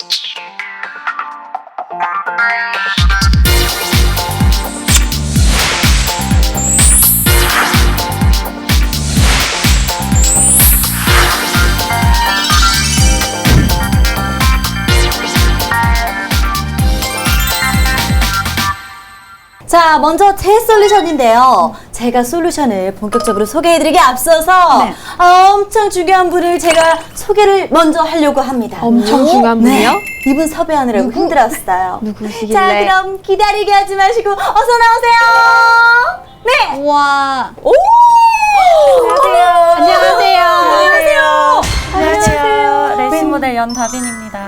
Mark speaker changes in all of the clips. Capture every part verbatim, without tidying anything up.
Speaker 1: 자, 먼저 제 솔루션인데요. 제가 솔루션을 본격적으로 소개해드리기 앞서서
Speaker 2: 네.
Speaker 1: 엄청 중요한 분을 제가 소개를 먼저 하려고 합니다.
Speaker 2: 엄청 중요한 분이요?
Speaker 1: 네, 이분 섭외하느라고
Speaker 2: 누구?
Speaker 1: 힘들었어요.
Speaker 2: 누구시길래?
Speaker 1: 자, 그럼 기다리게 하지 마시고 어서 나오세요. 네.
Speaker 2: 우와.
Speaker 1: 오!
Speaker 2: 안녕하세요.
Speaker 1: 안녕하세요.
Speaker 3: 안녕하세요. 레이싱 모델 연다빈입니다.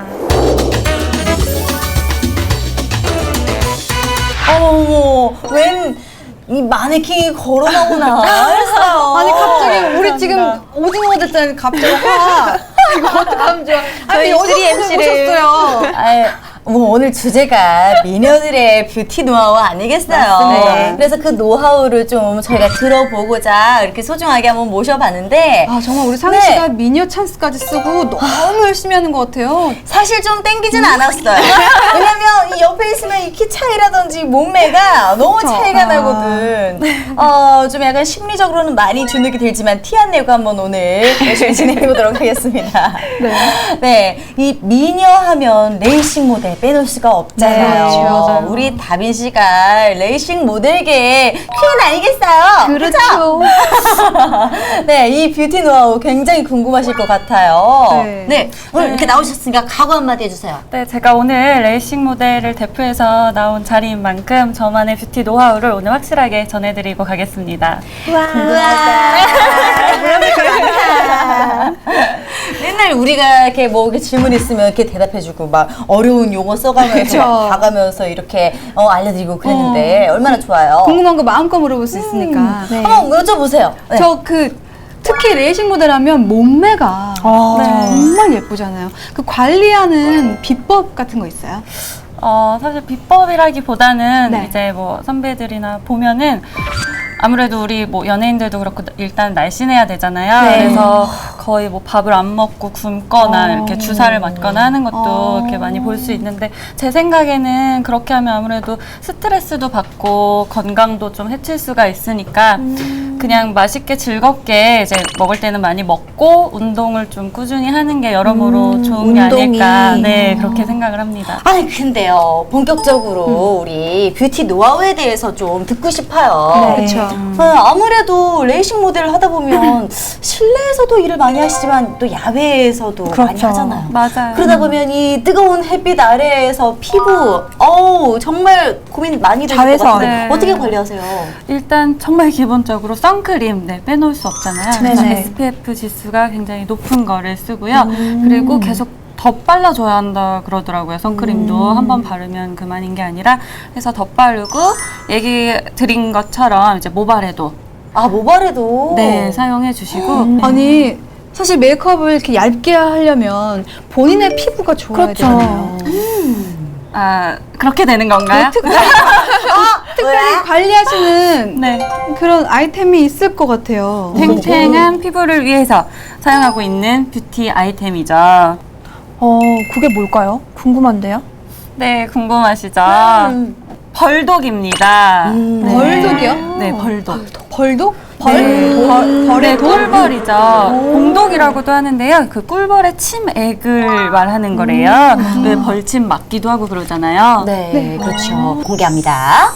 Speaker 1: 어머, 웬 이 마네킹이 걸어 나오나 했어요.
Speaker 2: 아니 갑자기 우리 지금 오징어 됐잖아요. 갑자기 와. 이거 어떡하면 좋아. 아니 어디서 오셨어요?
Speaker 1: 아이, 뭐 오늘 주제가 미녀들의 뷰티 노하우 아니겠어요?
Speaker 2: 맞습니다.
Speaker 1: 그래서 그 노하우를 좀 저희가 들어보고자 이렇게 소중하게 한번 모셔봤는데
Speaker 2: 아 정말 우리 상희
Speaker 1: 네.
Speaker 2: 씨가 미녀 찬스까지 쓰고 너무 열심히 하는 것 같아요.
Speaker 1: 사실 좀 땡기진 않았어요. 왜냐면 이 옆에 있으면 이 키 차이라든지 몸매가 너무
Speaker 2: 그쵸?
Speaker 1: 차이가
Speaker 2: 아.
Speaker 1: 나거든. 어, 좀 약간 심리적으로는 많이 주눅이 들지만 티 안 내고 한번 오늘 열심히 진행해보도록 하겠습니다.
Speaker 2: 네.
Speaker 1: 네, 이 미녀 하면 레이싱 모델 빼놓을 수가 없잖아요.
Speaker 2: 네, 맞아요.
Speaker 1: 우리 다빈 씨가 레이싱 모델계의 퀸 아니겠어요?
Speaker 2: 그렇죠.
Speaker 1: 네, 이 뷰티 노하우 굉장히 궁금하실 것 같아요.
Speaker 2: 네.
Speaker 1: 네, 오늘 이렇게 나오셨으니까 각오 한마디 해주세요.
Speaker 3: 네, 제가 오늘 레이싱 모델을 대표해서 나온 자리인 만큼 저만의 뷰티 노하우를 오늘 확실하게 전해드리고 가겠습니다.
Speaker 1: 우와. 맨날 우리가 이렇게 뭐 이렇게 질문 있으면 이렇게 대답해주고 막 어려운 용어 써가면서
Speaker 2: 그쵸.
Speaker 1: 막 봐가면서 이렇게 어, 알려드리고 그랬는데 얼마나 좋아요.
Speaker 2: 궁금한 거 마음껏 물어볼 수 있으니까. 네.
Speaker 1: 한번 여쭤보세요. 네.
Speaker 2: 저 그 특히 레이싱 모델 하면 몸매가 정말 예쁘잖아요. 그 관리하는 비법 같은 거 있어요?
Speaker 3: 어, 사실 비법이라기보다는
Speaker 2: 네.
Speaker 3: 이제 뭐 선배들이나 보면은 아무래도 우리 뭐 연예인들도 그렇고 일단 날씬해야 되잖아요.
Speaker 1: 네.
Speaker 3: 그래서 거의 뭐 밥을 안 먹고 굶거나
Speaker 2: 어.
Speaker 3: 이렇게 주사를 맞거나 하는 것도
Speaker 2: 어.
Speaker 3: 이렇게 많이 볼 수 있는데 제 생각에는 그렇게 하면 아무래도 스트레스도 받고 건강도 좀 해칠 수가 있으니까
Speaker 2: 음.
Speaker 3: 그냥 맛있게 즐겁게 이제 먹을 때는 많이 먹고 운동을 좀 꾸준히 하는 게 여러모로
Speaker 2: 음,
Speaker 3: 좋은 게
Speaker 1: 운동이.
Speaker 3: 아닐까 네 그렇게 생각을 합니다.
Speaker 1: 아니 근데요 본격적으로 우리 뷰티 노하우에 대해서 좀 듣고 싶어요.
Speaker 2: 네. 그쵸.
Speaker 1: 어, 아무래도 레이싱 모델을 하다 보면 실내에서도 일을 많이 하시지만 또 야외에서도 많이 하잖아요.
Speaker 3: 맞아요.
Speaker 1: 그러다 보면 이 뜨거운 햇빛 아래에서 피부 어우 정말 고민이 많이 되실 것
Speaker 2: 자외선.
Speaker 1: 같은데
Speaker 3: 네.
Speaker 1: 어떻게 관리하세요?
Speaker 3: 일단 정말 기본적으로 선크림 네, 빼놓을 수 없잖아요. 그래서
Speaker 2: 네네.
Speaker 3: 에스피에프 지수가 굉장히 높은 거를 쓰고요. 그리고 계속 덧발라줘야 한다 그러더라고요. 선크림도 한 번 바르면 그만인 게 아니라 그래서 덧바르고 얘기 드린 것처럼 이제 모발에도
Speaker 1: 아 모발에도
Speaker 3: 네 사용해 주시고
Speaker 2: 네. 아니 사실 메이크업을 이렇게 얇게 하려면 본인의 피부가 좋아야
Speaker 1: 그렇죠.
Speaker 2: 되잖아요.
Speaker 3: 아 그렇게 되는 건가요?
Speaker 2: 특별히, 아, 특별히 관리하시는
Speaker 3: 네.
Speaker 2: 그런 아이템이 있을 것 같아요.
Speaker 3: 탱탱한 피부를 위해서 사용하고 있는 뷰티 아이템이죠.
Speaker 4: 어, 그게 뭘까요? 궁금한데요?
Speaker 3: 네, 궁금하시죠?
Speaker 1: 음.
Speaker 3: 벌독입니다.
Speaker 1: 음.
Speaker 3: 네.
Speaker 2: 벌독이요?
Speaker 3: 네, 벌독.
Speaker 2: 벌독?
Speaker 3: 벌, 벌,
Speaker 2: 벌의
Speaker 3: 네,
Speaker 2: 독?
Speaker 3: 꿀벌이죠. 공독이라고도 하는데요. 그 꿀벌의 침액을 말하는 거래요. 왜 벌침 맞기도 하고 그러잖아요.
Speaker 1: 네, 그렇죠. 공개합니다.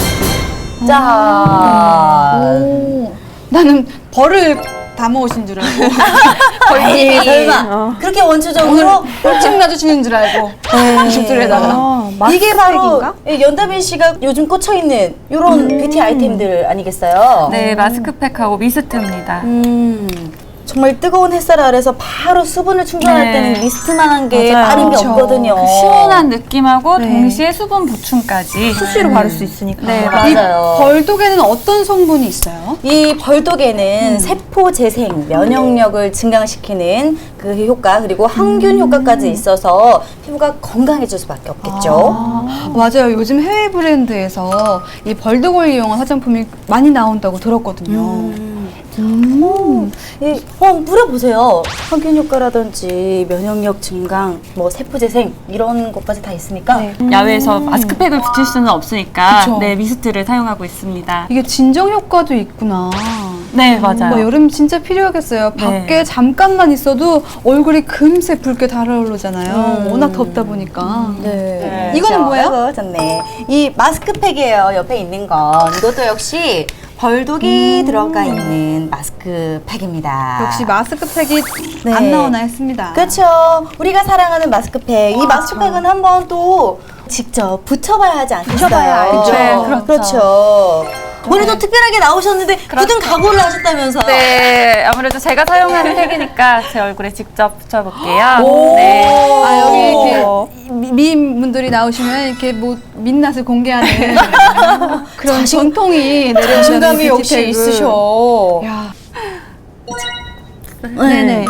Speaker 1: 자,
Speaker 2: 오, 나는 벌을 담아오신 줄 알고
Speaker 1: 아이, 설마 그렇게 원초적으로
Speaker 2: 벌침 놔주시는 줄 알고 빗줄에다가
Speaker 4: 아,
Speaker 1: 이게 바로
Speaker 4: 마스크팩인가?
Speaker 1: 이 연다빈 씨가 요즘 꽂혀 있는 이런 뷰티 아이템들 아니겠어요?
Speaker 3: 네, 마스크팩하고 미스트입니다.
Speaker 1: 음, 정말 뜨거운 햇살 아래서 바로 수분을 충전할
Speaker 3: 네.
Speaker 1: 때는 미스트만한 게
Speaker 3: 맞아요.
Speaker 1: 다른 게
Speaker 2: 그렇죠.
Speaker 1: 없거든요.
Speaker 3: 그 시원한 느낌하고
Speaker 4: 네.
Speaker 3: 동시에 수분 보충까지.
Speaker 4: 수시로 바를 수 있으니까.
Speaker 3: 네,
Speaker 2: 이
Speaker 1: 맞아요.
Speaker 2: 벌독에는 어떤 성분이 있어요?
Speaker 1: 이 벌독에는 세포 재생, 면역력을 증강시키는 그 효과 그리고 항균 효과까지 있어서 피부가 건강해질 수밖에 없겠죠.
Speaker 2: 아, 맞아요. 요즘 해외 브랜드에서 이 벌독을 이용한 화장품이 많이 나온다고 들었거든요.
Speaker 1: 음. 음. 예, 어, 물어보세요. 항균 효과라든지 면역력 증강, 뭐 세포 재생 이런 것까지 다 있습니까?
Speaker 4: 네.
Speaker 3: 야외에서 마스크팩을 붙일 수는 없으니까
Speaker 2: 그쵸.
Speaker 3: 네, 미스트를 사용하고 있습니다.
Speaker 2: 이게 진정 효과도 있구나.
Speaker 3: 네, 맞아요.
Speaker 2: 뭐 여름 진짜 필요하겠어요.
Speaker 3: 네.
Speaker 2: 밖에 잠깐만 있어도 얼굴이 금세 붉게 달아오르잖아요.
Speaker 1: 음.
Speaker 2: 워낙 덥다 보니까.
Speaker 1: 네.
Speaker 2: 이거는
Speaker 1: 자,
Speaker 2: 뭐예요?
Speaker 1: 아이고, 좋네. 이 마스크팩이에요. 옆에 있는 건. 이것도 역시 벌독이 들어가 있는 마스크팩입니다.
Speaker 2: 역시 마스크팩이
Speaker 1: 네.
Speaker 2: 안 나오나 했습니다.
Speaker 1: 그렇죠. 우리가 사랑하는 마스크팩. 이 마스크팩은 한번 또 직접 붙여봐야 하지 않겠어요?
Speaker 2: 붙여봐야 알죠.
Speaker 1: 네,
Speaker 3: 그렇죠.
Speaker 1: 그렇죠. 오늘도 특별하게 나오셨는데 굳은 각오를 하셨다면서요?
Speaker 3: 네, 아무래도 제가 사용하는 팩이니까 제 얼굴에 직접 붙여볼게요.
Speaker 1: 오.
Speaker 3: 네.
Speaker 2: 아, 여기 이렇게 미- 미인분들이 나오시면 이렇게 뭐 민낯을 공개하는 그런 전통이 내려오는
Speaker 1: 자신감이 역시
Speaker 2: 뷰티팩을.
Speaker 1: 있으셔.
Speaker 2: 야,
Speaker 1: 네네.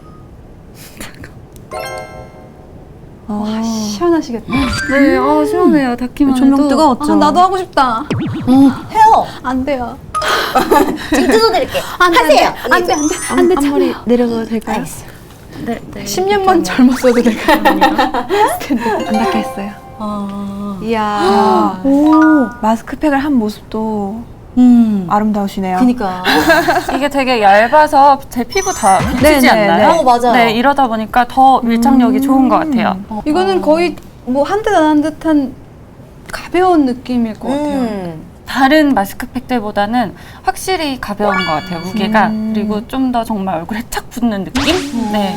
Speaker 2: 와, 시원하시겠다.
Speaker 3: 네, 어, 시원해요. 닿기만
Speaker 4: 조명
Speaker 3: 해도.
Speaker 4: 뜨거웠죠?
Speaker 2: 아, 나도 하고 싶다.
Speaker 1: 해요.
Speaker 2: 안 돼요.
Speaker 1: 지금 뜯어드릴게요.
Speaker 2: 안 돼,
Speaker 1: 하세요.
Speaker 2: 안 돼, 안 돼, 안 돼.
Speaker 4: 앞머리 내려가도 될까요?
Speaker 1: 알겠어요.
Speaker 3: 네, 네.
Speaker 2: 십 년만 젊었어도 될까요?
Speaker 4: 안 닿겠어요.
Speaker 1: 아.
Speaker 2: 이야.
Speaker 4: 오, 마스크팩을 한 모습도
Speaker 1: 음.
Speaker 4: 아름다우시네요.
Speaker 1: 그니까.
Speaker 3: 이게 되게 얇아서 제 피부 다 비치지
Speaker 4: 네, 네,
Speaker 3: 않나요?
Speaker 1: 네. 어, 맞아요.
Speaker 3: 네, 이러다 보니까 더 밀착력이 좋은 것 같아요.
Speaker 2: 이거는 거의 뭐 한 듯 안 한 듯한 가벼운 느낌일 것 같아요.
Speaker 1: 음.
Speaker 3: 다른 마스크팩 때보다는 확실히 가벼운 것 같아요, 무게가. 그리고 좀 더 정말 얼굴에 착 붙는 느낌? 네.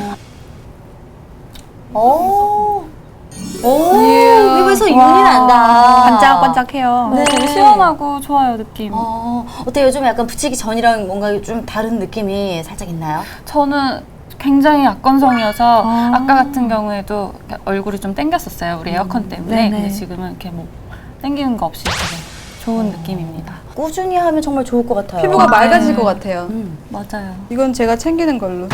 Speaker 1: 오. 오.
Speaker 2: 이야.
Speaker 1: 입에서 윤이 난다.
Speaker 4: 반짝반짝해요.
Speaker 1: 네.
Speaker 3: 되게 시원하고 좋아요, 느낌.
Speaker 1: 어, 어때요? 요즘 약간 붙이기 전이랑 뭔가 좀 다른 느낌이 살짝 있나요?
Speaker 3: 저는 굉장히 악건성이어서
Speaker 4: 아.
Speaker 3: 아. 까 같은 경우에도 얼굴이 좀 땡겼었어요, 우리 에어컨 때문에.
Speaker 4: 네네.
Speaker 3: 근데 지금은 이렇게 뭐 땡기는 거 없이 되게 좋은 느낌입니다.
Speaker 1: 꾸준히 하면 정말 좋을 것 같아요.
Speaker 2: 피부가
Speaker 3: 네.
Speaker 2: 맑아질 것 같아요.
Speaker 1: 음.
Speaker 3: 맞아요.
Speaker 2: 이건 제가 챙기는 걸로.